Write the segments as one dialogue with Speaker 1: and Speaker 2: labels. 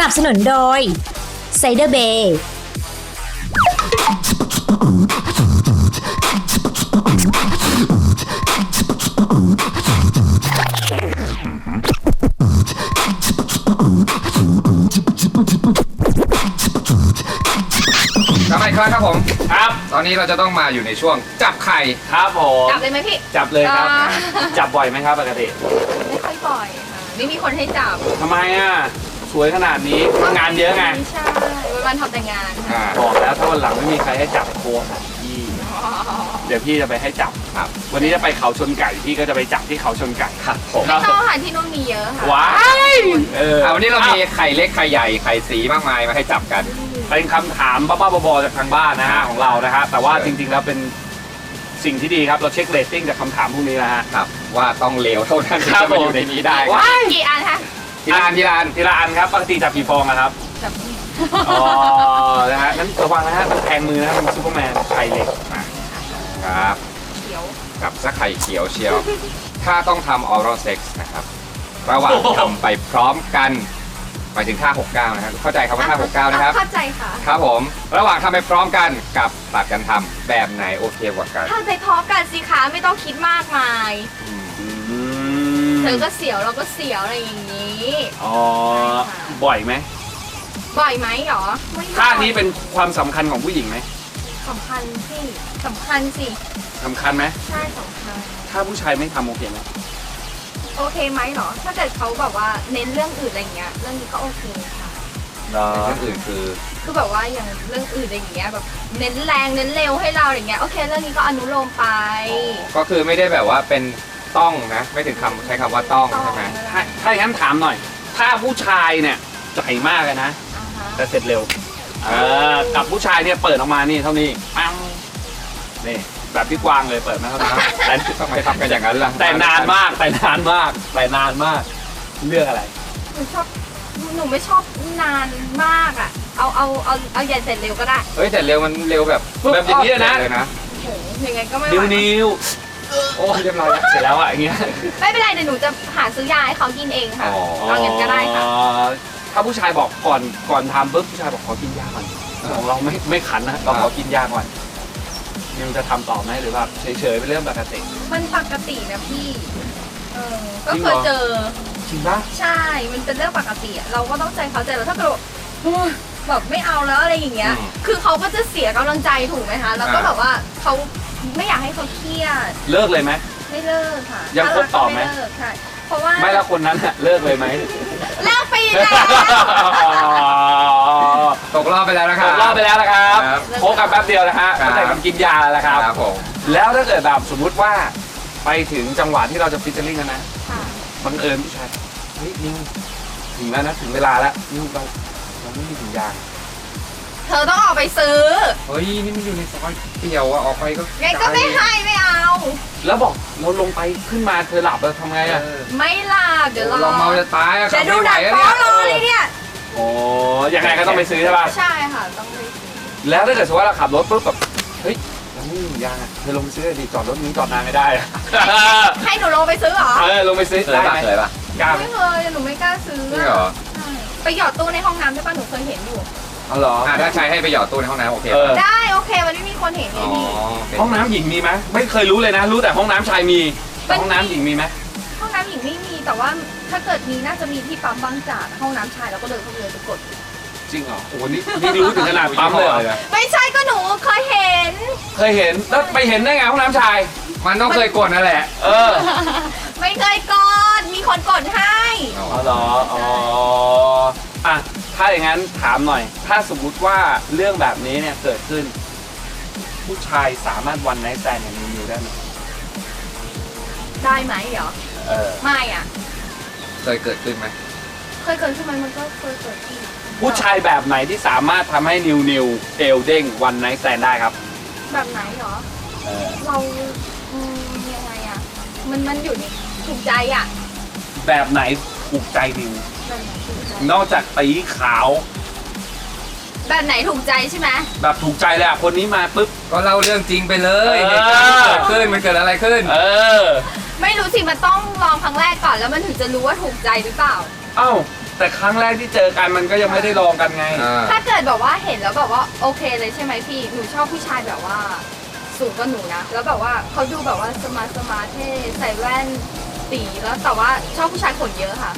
Speaker 1: นับสนุนโดยไซเดอร์เบย์
Speaker 2: กลับมาอีกครั้งครับผม
Speaker 3: ครับ
Speaker 2: ตอนนี้เราจะต้องมาอยู่ในช่วงจับไข่
Speaker 3: ครับผม
Speaker 4: จับเลยไหมพี่
Speaker 3: จับเลยครับ
Speaker 4: อ่า
Speaker 3: จับบ่อยไหมครับปกติ
Speaker 4: ไม่ค่อยบ่อยค่ะไม่มีคนให้จับ
Speaker 3: ทำไมอ่ะสวยขนาดนี้งานเยอะไง
Speaker 4: ใช่วันทำแต่งานค่ะ
Speaker 3: บอกแล้วถ้าวันหลังไม่มีใครให้จับโทรหาพี่เดี๋ยวพี่จะไปให้จับ
Speaker 2: ครับ
Speaker 3: วันนี้จะไปเขาชนไก่พี่ก็จะไปจับที่เขาชนไก่
Speaker 2: ครับผม
Speaker 4: ไม่ต้องค่ะที่นู่นมีเยอะค่ะ
Speaker 3: ว้าย
Speaker 2: วันนี้เรามีไข่เล็กไข่ใหญ่ไข่สีมากมายมาให้จับกัน
Speaker 3: เป็นคำถามบ้าๆบอๆจากทางบ้านนะฮะของเรานะฮะแต่ว่าจริงๆแล้วเป็นสิ่งที่ดีครับเราเช็คเรตติ้งจากคำถามพวกนี้นะฮะ
Speaker 2: ครับ ว่าต้องเลวเท่านั้นถึง
Speaker 3: ครับ
Speaker 2: จะมาอ
Speaker 3: ผม
Speaker 2: ยู่ในนี้ได้
Speaker 3: ว้าย
Speaker 4: กี่อันคะ
Speaker 2: ทีละอันทีละอัน
Speaker 3: ทีละอันครับปกติจับกี่ฟองอะครับ
Speaker 4: จับ
Speaker 3: อ๋อ นะฮะนั้นระวังนะฮะมันแทงมือนะฮะมันซูเปอร์แมนไข่เหล็ก
Speaker 2: ครับ
Speaker 4: เขียว
Speaker 2: กับสักไข่เขียวเชียว ถ้าต้องทำออรัลเซ็กส์นะครับ ระหว่างทำไปพร้อมกันหมายถึงท่า 69 นะครับ เข้าใจคำว่าท่า 69 นะครับ
Speaker 4: เข้าใจค่ะ
Speaker 2: ครับผม ระหว่างทำไปพร้อมกันกับตัดกันทำแบบไหนโอเคกว่ากัน
Speaker 4: ถ้าไปพร้อมกันสิคะไม่ต้องคิดมากมาย
Speaker 3: อืม
Speaker 4: เธอก็เสียวเราก็เสียวอะไรอย่างนี้
Speaker 3: อ๋อ บ่อยไหม
Speaker 4: บ่อยไหมหรอไม่บ่อย
Speaker 3: ท่านี้เป็นความสำคัญของผู้หญิงไหม
Speaker 4: สำคัญสิสำคัญสิ
Speaker 3: สำคัญไหม
Speaker 4: ใช่สำคัญ
Speaker 3: ถ้าผู้ชายไม่ทำโอเคไหม
Speaker 4: โอเคไหมหรอ ถ้าเกิดเขาแบบว่าเน้นเรื่องอื่นอะไรเงี้ย เรื่องนี้ก็โอเคค่ะ
Speaker 3: เหรอ
Speaker 2: เรื่องอื่นคือ
Speaker 4: คือแบบว่าอย่างเรื่องอื่นอะไรอย่างเงี้ยแบบเน้นแรงเน้นเร็วให้เราอย่างเงี้ยโอเคเรื่องนี้ก็อนุโลมไป
Speaker 2: ก็คือไม่ได้แบบว่าเป็นต้องนะ ไม่ถึงคำใช้คำว่าต้องใช่ไหม
Speaker 3: ถ้าอย่างนั้นถามหน่อย ถ้าผู้ชายเนี่ยใจมากเลยนะ
Speaker 4: อ่าฮะ
Speaker 3: แต่เสร็จเร็วกับผู้ชายเนี่ยเปิดออกมานี่เท่านี้ปังนี่แบบพี่กวางเลยเปิดมาเท่านี้แต่
Speaker 2: ทำไมทำกันอย่างนั้นล่ะ
Speaker 3: แต่นานมากแต่นานมากแต่นานมากเรื่องอะไร
Speaker 4: หนูไม่ชอบนานมากอ่ะเอาใหญ่เสร็จเร็วก็ได้
Speaker 2: เฮ้ยแต่เร็วมันเร็วแบบ
Speaker 3: แบบอย่างนี้เลยนะ
Speaker 2: เลยนะ
Speaker 4: โหยังไงก็ไม่ไห
Speaker 3: นิ้ว
Speaker 4: ว
Speaker 3: นิ้ว
Speaker 2: โอ้เรียบร้อยแล้ว
Speaker 3: เสร็จแล้วอะอย่างเงี้ย
Speaker 4: ไม่เป็นไรเดี๋ยวหนูจะหาซื้อยาให้เขากินเองค่ะ
Speaker 2: อ๋อ
Speaker 4: เอาเงินก็ได้ค่ะ
Speaker 3: ถ้าผู้ชายบอกก่อนทำปุ๊บผู้ชายบอกขอกินยาก่อนของเราไม่ขันนะเราขอกินยาก่อนนิวจะทำต่อไหมหรือว่าเฉยๆเป็นเรื่องปกติ
Speaker 4: มันปกตินะพี่ก็
Speaker 3: จริง
Speaker 4: เค
Speaker 3: เหรอ
Speaker 4: ยเจอ
Speaker 3: จริงปะ
Speaker 4: ใช่ มันเป็นเรื่องปกติอะเราก็ต้องใจเขาใจเราถ้าเกิดแบบไม่เอาแล้วอะไรอย่างเงี้ย คือเขาก็จะเสียกำลังใจถูกไหมคะ แล้วก็แบบว่าเขาไม่อยากให้เขาเครียด
Speaker 3: เลิกเลยไหม
Speaker 4: ไม่เลิกค่ะ
Speaker 3: ยังคบต่อไหม
Speaker 4: ถ้ารักก็เลิกใช่ เพราะว่า
Speaker 3: ไม่แล้วคนนั้นอะเลิกเลยไหม
Speaker 4: เลิกไปแล้ว
Speaker 2: ตกรอบไปแล้วนะค
Speaker 3: ต
Speaker 2: รับ
Speaker 3: กรอบไปแล้วนะครับ
Speaker 2: ครับ
Speaker 3: โคกันแป๊บเดียวนะฮะ
Speaker 2: ครับ
Speaker 3: ก็แต่กับกินยาแล้วครับ
Speaker 2: ครับผม
Speaker 3: แล้วถ้าเกิดแบบสมมุติว่าไปถึงจังหวะที่เราจะฟิชเชอร์ลิงกันนะ
Speaker 4: ค่ะ
Speaker 3: บังเอิญผู้ชายเฮ้ยนิวถึงแล้วนะถึงเวลาแล้วนิวเราไม่มีถุงยาง
Speaker 4: เธอต้องออกไปซื้อ
Speaker 2: เฮ้ยนี่มันอยู่ในซอยเปรี้ยวอะออกไปก็
Speaker 4: ไงก็ไม่ให้ไม่เอา
Speaker 3: แล้วบอกเราลงไปขึ้นมาเธอหลับแล้วทำไงอะ
Speaker 4: ไม่หลับเดี๋ยวรอ
Speaker 2: เราเมาจะตายอะ
Speaker 4: จะดูหนัง
Speaker 2: ขับ
Speaker 4: ฟ้อ
Speaker 2: ไม่ไหว
Speaker 4: รอ
Speaker 2: อะ
Speaker 4: เลยเนี่ย
Speaker 3: โอ้ยังไงก็ต้องไปซื้อใช่ป่ะ
Speaker 4: ใช่ค่ะ ต้องไปซื้อ
Speaker 3: แล้วถ้าเกิดสมมติว่าเราขับรถปุ๊บแบบเฮ้ยเราไม่มีถุงยางอะเธอลงไปซื้อดิจอดรถนี้จอดนานไม่ได้ อะ
Speaker 4: ให้หนูลงไปซื้อเหรอ
Speaker 3: ลงไปซื้อ
Speaker 2: เคย
Speaker 3: ได้
Speaker 2: ปะ
Speaker 3: ไหม
Speaker 2: เคยปะ
Speaker 3: กล้าไหม
Speaker 4: ไม่เคยหนูไม่กล้าซื้อ
Speaker 2: จริงเหรอ
Speaker 4: ใช่ไปหยอดตู้ในห้องน้ำได้ป่ะหนูเคยเห็นอยู่
Speaker 3: เอาเหรอ
Speaker 2: ถ้าใช้ให้ไปหยอดตู้ในห้องน้ำโอเค
Speaker 3: เออ
Speaker 4: ได้โอเคมันไม่มีคนเห็นไง
Speaker 2: อ๋อ
Speaker 4: พี่
Speaker 3: ห้องน้ำหญิงมีไหมไม่เคยรู้เลยนะ รู้แต่ห้องน้ำชายมีแต่
Speaker 4: มันมี
Speaker 3: ห้องน้ำหญิงมีไหม
Speaker 4: ห้องน้ำหญิงไม่มีแต่ว่าถ้าเกิดมีน่าจะมีที่ปั๊มบางจากห้องน้ำชายแล้วก็เดินเข้าไปเลยไปกด
Speaker 3: จริงเหรอโอ้โหนี่รู้ถึงขนาดปั๊มเลยเหรอ
Speaker 4: ไม่ใช่ก็หนูเคยเห็น
Speaker 3: เคยเห็นแล้วไปเห็นได้ไงห้องน้ำชาย
Speaker 2: มันต้องเคยกดนั่นแหละ
Speaker 3: เออ
Speaker 4: ไม่เคยกดมีคนกดให้
Speaker 3: อ๋อเหรออ๋ออ่ะถ้าอย่างนั้นถามหน่อย ถ้าสมมุติว่าเรื่องแบบนี้เนี่ยเกิดขึ้น ผู้ชายสามารถวันไนท์แตนอย่างนิวได้ไหม
Speaker 4: ได้ไหมเหรอ
Speaker 3: เออ
Speaker 4: ไม่อ่ะ
Speaker 2: เคยเกิดขึ้นไหม
Speaker 4: เคยเกิดขึ้นไหมมันก็เคยเกิดขึ้น
Speaker 3: ผู้ชายแบบไหนที่สามารถทำให้นิวเอลเด้งวันไนท์แตนได้ครับ
Speaker 4: แบบไหนเหรอ
Speaker 3: เออ
Speaker 4: เรายังไงอ่ะมันอยู่ในถูกใจอ่ะ
Speaker 3: แบบไหนถูกใจนิว
Speaker 4: แบบไหนถูกใจ
Speaker 3: นอกจากตีขาว
Speaker 4: แบบไหนถูกใจใช่ไหม
Speaker 3: แบบถูกใจเลยอ่ะคนนี้มาปุ๊บ
Speaker 2: ก็เล่าเรื่องจริงไปเลย
Speaker 3: เออ
Speaker 2: เหตุการณ์ที่เกิดขึ้นมันเกิดอะไรขึ้น
Speaker 3: เออ
Speaker 4: ไม่รู้สิมันต้องลองครั้งแรกก่อนแล้วมันถึงจะรู้ว่าถูกใจหรือเปล่า
Speaker 3: เอ้าแต่ครั้งแรกที่เจอกันมันก็ยังไม่ได้ลองกันไง
Speaker 4: ถ้าเกิดแบบว่าเห็นแล้วแบบว่าโอเคเลยใช่ไหมพี่หนูชอบผู้ชายแบบว่าสูงกว่าหนูนะแล้วแบบว่าเขาดูแบบว่าสมาร์ทเท่ใส่แว่นตีแล้วแต่ว่าชอบผู้ชายขนเยอะค่ะ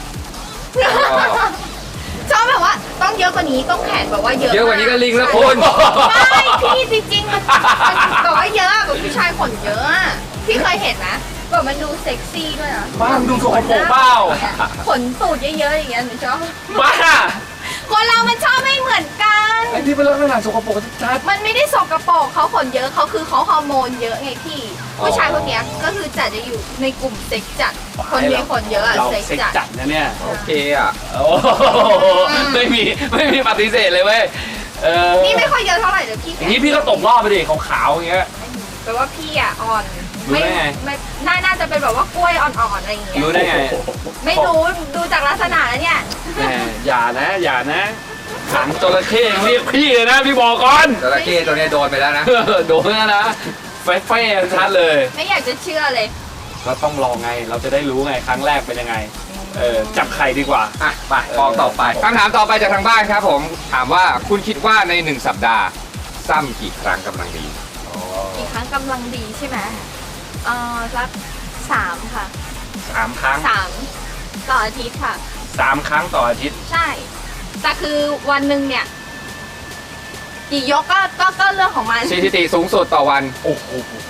Speaker 4: ชอบแบบว่าต้องเยอะกว่านี้ต้องแขนแบบว่าเยอะ
Speaker 2: เยอะกว่านี้ก็ลิงแล้วคุณ
Speaker 4: ไม่พี่จริงๆมันแบบว่าเยอะแบบผู้ชายขนเยอะอะพี่เคยเห็นนะแบบมันดูเซ็กซี่ด้วยนะ
Speaker 3: บ้าดูสกปรกเปล่า
Speaker 4: ขนตูดเยอะๆอย่างเงี้ยหนูชอบ
Speaker 3: บ้า
Speaker 4: คนเรามันชอบไม่เหมือนกัน
Speaker 3: ไอ้ที่เป็นลักษณะสกปรกชัด
Speaker 4: มันไม่ได้สกปรกเขาขนเยอะเขาคือเขาฮอร์โมนเยอะไงพี่ผู้ชายพวกเนี้ยก็คือจะอยู่ในกลุ่มเซ็กจัด
Speaker 3: ๆ
Speaker 4: คนมีขนเยอะอะ
Speaker 3: เรา
Speaker 4: เซ็ก
Speaker 3: เซ็ก
Speaker 4: จัด
Speaker 3: จัดนะเนี่ย
Speaker 2: โอเคอ่ะ
Speaker 3: โอ้โหไม่มีปฏิเสธเลยเว้ยนี่
Speaker 4: นี่ไม่ค่อยเยอะเท่าไหร่เลยพี่
Speaker 3: อย่างนี้พี่ก็ตกรอบไปดิขาวๆอย่างเงี้ย
Speaker 4: แปลว่าพี่อ่ะอ่อน
Speaker 3: รู้ได้ไง
Speaker 4: ไม่น่าจะเป็นแบบว่ากล้วยอ่อนๆอะไรอย่างเงี้ย
Speaker 3: รู้ได้ไง
Speaker 4: ไม่รู้ดูจากลักษณะแล้วเนี่ย
Speaker 3: แหมอย่านะขังจระเข้ยังเรียกพี่เลยนะพี่บอกก่อน
Speaker 2: จระเข้ตัวเนี้ยโดนไปแล้วนะ
Speaker 3: โดนแล้วนะเฟ่ชัดเลย
Speaker 4: ไม่อยากจะเชื่อเลย
Speaker 3: ก็ต้องลองไงเราจะได้รู้ไงครั้งแรกเป็นยังไงจับไข่ดีกว่า
Speaker 2: อ่ะไปมองต่อไปคำถามต่อไปจากทางบ้านครับผม ถามว่าคุณคิดว่าใน1 สัปดาห์ซ้ำกี่ครั้งกำลังดี
Speaker 4: อีกครั้งกำลังดีใช่ไหมสัก3 ค่ะ
Speaker 3: 3 ครั้ง
Speaker 4: 3 ต่ออาทิตย์ค่ะ
Speaker 3: 3 ครั้งต่ออาทิตย์
Speaker 4: ใช่ แต่คือวันหนึ่งเนี่ยกี่ยกก็เรื่องของมัน
Speaker 2: สถิติสูงสุดต่อวัน
Speaker 3: โอ้โห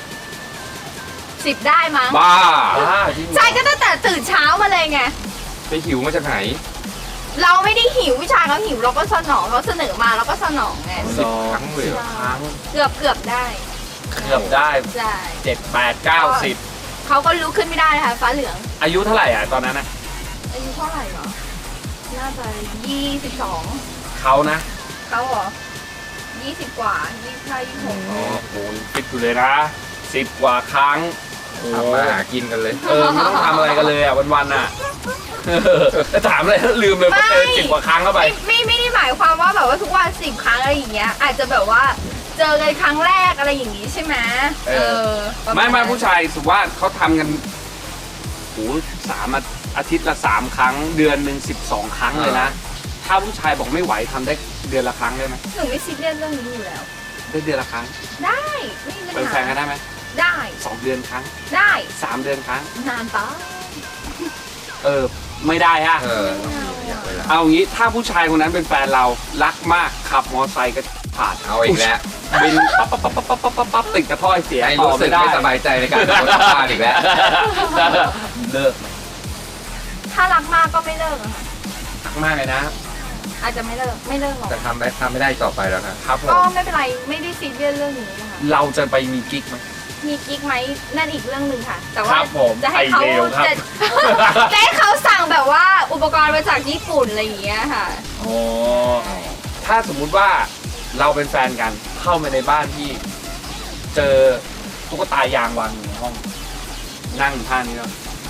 Speaker 4: 10 ได้มั้ง
Speaker 2: บ้า
Speaker 3: จริงเหรอ
Speaker 4: ใช่ก็ตั้งแต่ตื่นเช้ามาเลยไง
Speaker 2: ไปหิวมาจากไหน
Speaker 4: เราไม่ได้หิวผู้ชายเขาหิวเราก็สนองเขาเสนอมาเราก็สนองไง
Speaker 2: 10 ครั้งเลยเหรอ
Speaker 3: ครั้ง
Speaker 4: เกือบได้
Speaker 3: เกือบได้
Speaker 4: ใช่
Speaker 3: 7 8 9 10
Speaker 4: เขาก็ลุกขึ้นไม่ได้นะคะฟ้าเหลือง
Speaker 3: อายุเท่าไหร่อ่ะตอนนั้นนะ
Speaker 4: อายุเท่าไหร่เหรอ น่าจะ22
Speaker 3: เขานะ
Speaker 4: เขาเหรอ20 กว่า25 26
Speaker 3: โอ้โหฟิตอยู่เลยนะ10 กว่าครั้งโอ้
Speaker 2: ทำมาหากินกันเลย
Speaker 3: ไม่ต้องทำอะไรกันเลยอ่ะวันๆอ่ะจะถามอะไรลืมเลยพอเจอ10 กว่าครั้งเข้าไป
Speaker 4: ไม่ได้หมายความว่าแบบว่าทุกวัน10 ครั้งอะไรอย่างเงี้ย อาจจะแบบว่าเจอกันครั้งแรกอะไรอย่างงี้ใช่ไหมประาณ
Speaker 3: ไม่ผู้ชายสุว่าเขาทำกันโอ้อาทิตย์ละ 3 ครั้ง เดือนหนึ่ง12 ครั้งเลยนะ ถ้าผู้ชายบอกไม่ไหวทำได้เดือนละครั้งได้ไหม
Speaker 4: หนูไม่ซีเรียสเรื่องนี้อยู่แล้ว
Speaker 3: ได้เดือนละครั้ง
Speaker 4: ได้ไม่มีปัญ
Speaker 3: เป็นแฟ
Speaker 4: หาน
Speaker 3: กันได้ไหม
Speaker 4: ได้
Speaker 3: 2 เดือนครั้ง
Speaker 4: ได้
Speaker 3: 3 เดือนครั้ง
Speaker 4: นานปะ
Speaker 3: ไม่ได้ฮะ
Speaker 2: อยากเวลา
Speaker 3: เอางี้ถ้าผู้ชายคนนั้นเป็นแฟนเรารักมากขับมอเตอร์ไซค์ก็ผ่าน
Speaker 2: เอาอีกแล้ว
Speaker 3: บินปั๊บติดกระถ้อยเสีย
Speaker 2: ให้
Speaker 3: ต่อ
Speaker 2: รู้สึ
Speaker 3: ไม่
Speaker 2: ก
Speaker 3: ได้
Speaker 2: ไม่สบายใจในการโดนสัมภาษณ์อีกแล้ว
Speaker 3: เลิก
Speaker 4: ถ้ารักมากก็ไม่เลิกอะค่ะ
Speaker 3: รักมากเลยนะ
Speaker 4: อาจจะไม่เลิกหรอก
Speaker 2: จะทำไม่ได้ต่อไปแล้วนะครับ
Speaker 3: ผ
Speaker 4: ก็
Speaker 3: ม
Speaker 4: ไม่เป็นไรไม่ได้ซีเรียสเรื่องนี้นะคะ
Speaker 3: เราจะไปมีกิ๊กไหม
Speaker 4: มีกิ๊กไหมนั่นอีกเรื่องหนึ่งค่ะ แต่
Speaker 3: ค
Speaker 4: ว่า
Speaker 3: รับผม
Speaker 4: จะให้เขา
Speaker 3: ไอเดียครับ
Speaker 4: จะให้เขาสั่งแบบว่าอุปกรณ์มาจากญี่ปุ่นอะไรอย่างเงี้ยค่ะ
Speaker 3: อ๋อถ้าสมมุติว่าเราเป็นแฟนกันเข้ามาในบ้านที่ เจอตุ๊กตายางวางอยู่ในห้อง นั่งอยู่ท่านี้เนาะ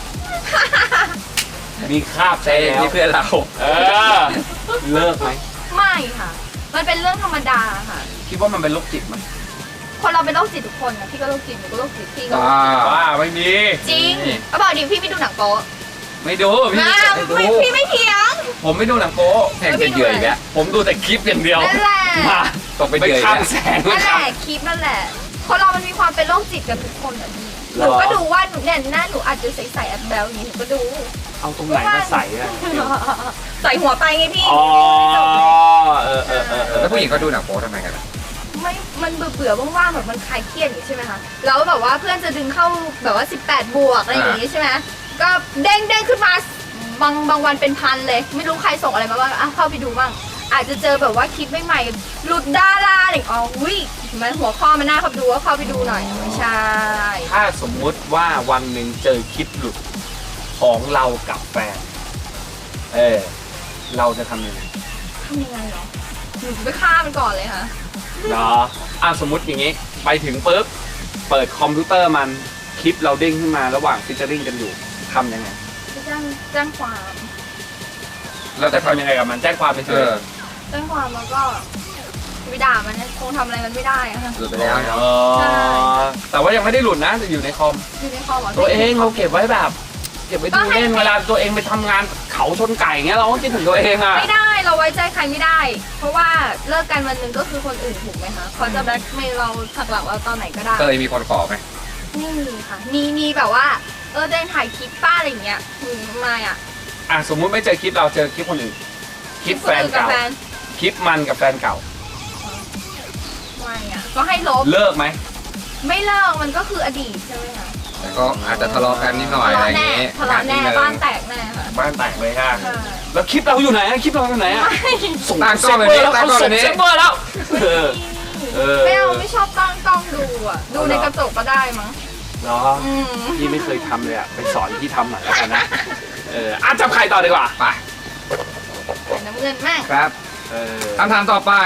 Speaker 3: มีคราบ
Speaker 2: เต้
Speaker 3: ใช้แล้ว
Speaker 2: นี่เพื่อนเรา
Speaker 3: เลิกไหม
Speaker 4: ไม่ค่ะ มันเป็นเรื่องธรรมดาค่ะ
Speaker 3: คิดว่ามันเป็นโรคจิตไหม
Speaker 4: คนเราเป็นโรคจิตทุกคนนะพี่ก็โรคจิตหนูก็โรคจิตพี่ก็โรค
Speaker 2: ว้า
Speaker 4: จิต
Speaker 3: ว่าไม่มี
Speaker 4: จริงก็บอกดิพี่ไม่ดูหนังโป๊ะ
Speaker 3: ไม่ดูพี่
Speaker 4: นะ
Speaker 3: ไม่ดู
Speaker 4: พี่ไม่เถียง
Speaker 3: ผมไม่ดูหนังโป๊ะ
Speaker 2: แทงเป็นเหยื่ออีกแล้ว
Speaker 3: ผมดูแต่คลิปอย่างเดียว
Speaker 4: นั่นแหละ
Speaker 3: มา
Speaker 2: ตกเป็น
Speaker 3: ไป
Speaker 2: เหยื่ออีก
Speaker 3: ข้าง
Speaker 2: แล้ว
Speaker 3: แสง
Speaker 4: นั่นแหละคลิปนั่นแหละ คนเรามันมีความเป็นโรคจิตกันทุกคนแบบนี้หนูก็ดูว่าหนูเนี่ยหน้าหนูอาจจะใส่แอปแบลอย่างนี้หนูก็ดู
Speaker 3: เอาตรงไหนมาใส่อะ
Speaker 4: ใส่หัวไปไงพี่
Speaker 3: อ๋อ
Speaker 2: แล้วผู้หญิงเขาดูหนังโป๊ทำไมกันอะ
Speaker 4: ไม่มันเบื่อๆว่างๆแบบมันคลายเครียดอย่างนี้ใช่ไหมคะแล้วแบบว่าเพื่อนจะดึงเข้าแบบว่า18 บวกอะไรอย่างนี้ใช่ไหมก็เด้งขึ้นมาบางวันเป็นพันเลย ไม่รู้ใครส่งอะไรมาบ้างอ่ะเข้าไปดูบ้างอาจจะเจอแบบว่าคลิปใหม่ๆหลุดดาราอะไรอ๋อวิมันหัวข้อมันน่าเข้าไปดูก็เข้าไปดูหน่อยไม่ใช่
Speaker 3: ถ้าสมมุติว่าวันหนึ่งเจอคลิปหลุดของเรากับแฟน เราจะทำยังไง
Speaker 4: ทำยังไงเหรอหนูไปฆ่ามันก่อนเลยค่ะ
Speaker 3: เนาะสมมติอย่างงี้ ไปถึงปุ๊บ เปิดคอมพิวเตอร์มันคลิปเราเด้งขึ้นมาระหว่างฟิชเชอริ่งกันอยู่ทำยังไง
Speaker 4: จะแจ้งความ
Speaker 3: เราจะทำยังไงกับมันแจ้งความไปเถอะ
Speaker 4: แจ้งความแล้วก็ไปด่ามันนะคงทำอะไรมันไม่ได้อะค่ะ
Speaker 2: หลุดไปแล้วเนาะ
Speaker 4: ใช่
Speaker 3: แต่ว่ายังไม่ได้หลุดนะจะอยู่ในคอม
Speaker 4: อยู่ในคอมเหรอ
Speaker 3: ตัวเองเราเก็บไว้แบบเก็บไว้ดูเล่นเวลาตัวเองไปทำงานเขาชนไก่เงี้ยเราก็คิดถึงตัวเองอ่ะ
Speaker 4: ไม่ได้เราไว้ใจใครไม่ได้ เพราะว่าเลิกกันวันหนึ่งก็คือคนอื่นถูกไหมคะเขาจะแบล็กเมย์เราถักหลังเราตอนไหนก็ได้
Speaker 2: เคยมีคนขอไหม
Speaker 4: ไม่มีค่ะมีแบบว่าเดนถ่ายคลิปป้าอะไรอย่างเงี้ยไม่อ่ะ
Speaker 3: อ่ะสมมุติไม่เจอคลิปเราเจอคลิปคนอื่นคลิปแฟน
Speaker 4: กับ
Speaker 3: เก่า
Speaker 4: แฟน
Speaker 3: คลิปมันกับแฟนเก่า
Speaker 4: ไม่อ่ะก็ให้ลบ
Speaker 3: เลิกไหม
Speaker 4: ไม่เลิกมันก็คืออดีตใช่ไหมคะ
Speaker 2: แต่ก็อาจจะทะเลาะกันนิดหน่อยอะไรอย่างงี้
Speaker 4: ทะเลาะแน่บ้านแตกแน่ค่ะ
Speaker 3: บ้านแตกเลยฮะ
Speaker 4: ใช่
Speaker 3: แล้วคลิปเราอยู่ไหนอะคลิปเราอยู่ไหนอะส่ง
Speaker 2: ตั้งกล้องแบบนี้
Speaker 3: แล้ว
Speaker 2: ตั้ง
Speaker 3: เขา
Speaker 2: กล้องแบ
Speaker 3: ส่ง
Speaker 2: บนี้
Speaker 3: เซฟเวอร์แล้วเออ
Speaker 4: ไม่เอาไม่ชอบตั้งกล้องดูอ่ะดูในกระจกก็ได้มั้ง
Speaker 3: เนาะ
Speaker 4: อืม
Speaker 3: พี่ไม่เคยทำเลยอะไปสอนพี่ทำหน่อยแล้วกันนะอ่ะจับใครต่อดีกว่า
Speaker 2: ไป
Speaker 4: ใส่น้ำเงินแม่ง
Speaker 2: ครับ
Speaker 3: เออ
Speaker 2: คำถามต่อไป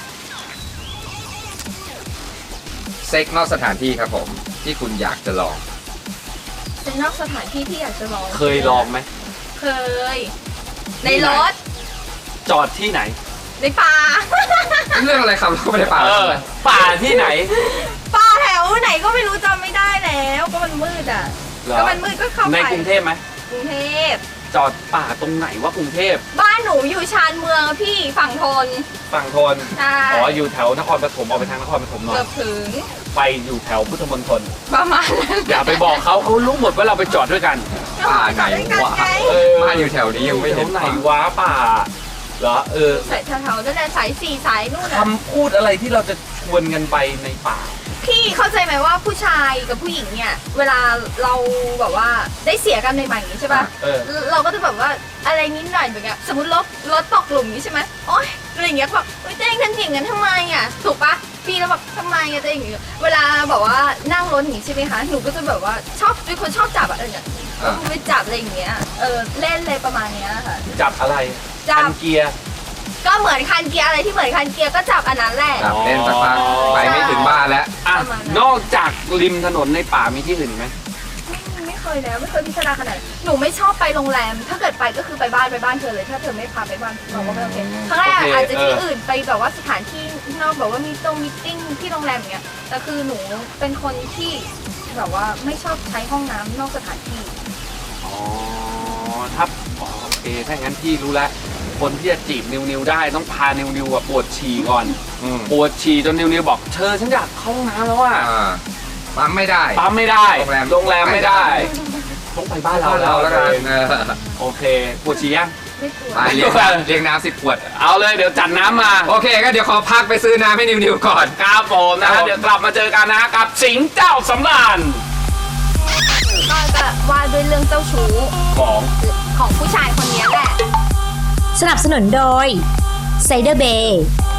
Speaker 2: เซ็กนอกสถานที่ครับผมที่คุณอยากจะลอง
Speaker 4: เป็นนอกสถานที่ที่อยากจะลอง
Speaker 3: เคยลองไหม
Speaker 4: เคย ในรถ
Speaker 3: จอดที่ไหน
Speaker 4: ในป่า
Speaker 2: เรื่องอะไรครับเราก็ไม่ได้ป่า
Speaker 3: ป่าที่ไหน
Speaker 4: ป่าแถวไหนก็ไม่รู้จำไม่ได้แล้วก็มันมืดอ่ะ
Speaker 3: เหรอ
Speaker 4: ก็มันมืดก็เข้าไป
Speaker 3: ในกรุงเทพไหม
Speaker 4: กรุงเทพ
Speaker 3: จอดป่าตรงไหนวะกรุงเทพ
Speaker 4: บ้านหนูอยู่ชานเมืองอะพี่ฝั่งทน
Speaker 3: ฝั่งทน
Speaker 4: ใช่
Speaker 3: อ๋ออยู่แถวนครปฐมออกไปทางนครปฐมหน่อ
Speaker 4: เกื
Speaker 3: ย
Speaker 4: อบถึง
Speaker 3: ไปอยู่แถวพุทธมณฑล
Speaker 4: ประมาณนั้น
Speaker 3: อย่าไปบอกเขารู้หมดว่าเราไปจอดด้วยกัน
Speaker 2: ป่าไหนวะ บ้านอยู่แถวนี้ยังไม่เห็น
Speaker 3: แถวไหนวะป่าเหรอ
Speaker 4: สายแถวๆนั่นแหละสายสี่สายนู่นอะ
Speaker 3: คำพูดอะไรที่เราจะชวนกันไปในป่า
Speaker 4: พี่เข้าใจไหมว่าผู้ชายกับผู้หญิงเนี่ย เวลาเราแบบว่าได้เสียกันใหม่ๆอย่างนี้ใช่ป่ะ
Speaker 3: เออ
Speaker 4: เราก็จะแบบว่าอะไรนิดหน่อยแบบเงี้ยสมมติรถตกหลุมนี้ใช่ไหมโอ๊ยอะไรอย่างเงี้ยก็แบบเฮ้ยเจ๊งทำอย่างนั้นทำไมอ่ะถูกปะพี่แล้วแบบทำไมอ่ะเจ๊อย่างเงี้ยเวลาแบบว่านั่งรถหนีใช่ไหมคะหนูก็จะแบบว่าชอบเป็นคนชอบจับอะอะไรเงี้ยไปจับอะไรอย่างเงี้ยเล่นเลยประมาณเนี้ยค่ะ
Speaker 3: จับอะไร
Speaker 4: จับ
Speaker 3: คันเกียร์
Speaker 4: ก็เหมือนคันเกียร์อะไรที่เหมือนคันเกียร์ก็จับอันนั้นแหละ
Speaker 2: จับเล่นสักพักไปไม่ถึงบ้านแล้ว
Speaker 3: อ่ะ
Speaker 4: ประมาณนั้น
Speaker 3: นอกจากริมถนนในป่ามีที่อื่นอีกไหม
Speaker 4: ไม่เคยแล้วไม่เคยพิจารณาขนาดนั้นหนูไม่ชอบไปโรงแรม ถ้าเกิดไปก็คือไปบ้านเธอเลย ถ้าเธอไม่พาไปบ้านเราก็ไม่โอเคครั้งแรกอาจจะที่อื่นไปแบบว่าสถานที่นอกแบบว่ามีมีติ้งที่โรงแรมอย่างเงี้ยแต่คือหนูเป็นคนที่แบบว่าไม่ชอบใช้ห้องน้ำนอกสถานที่
Speaker 3: อ๋อถ้าโอเคถ้างั้นพี่รู้แล้วคนที่จะจีบนิวได้ต้องพานิวอะปวดฉี่ก่อน
Speaker 2: อืม
Speaker 3: ปวดฉี่จนนิวบอกเธอฉันอยากเข้าห้องน้ำแล้วอ่ะ
Speaker 2: ปั๊มไม่ได้
Speaker 3: ปั๊มไม่ได้
Speaker 2: โรงแรม
Speaker 3: โรงแรมไม่ได้ ต้องไปบ้านเรา
Speaker 2: เราแล้วกัน
Speaker 3: โอเคปวดฉี่ยัง
Speaker 4: ไม่กลัว
Speaker 2: ไปเลี้ยงน้ำ10 ขวด
Speaker 3: เอาเลยเดี๋ยวจัดน้ำมา
Speaker 2: โอเคก็เดี๋ยวขอพักไปซื้อน้ำให้นิวก่อน
Speaker 3: ครับผมนะ
Speaker 2: ครั
Speaker 3: ฮะ
Speaker 2: บผม
Speaker 3: เดี๋ยวกลับมาเจอกันนะกับสิงห์เจ้าสำราญ
Speaker 4: ก็จะว่าด้วยเรื่องเจ้าชู้
Speaker 3: ของ
Speaker 4: ของผู้ชายคนนี้แหละ
Speaker 1: สนับสนุนโดยไซเดอร์เบย์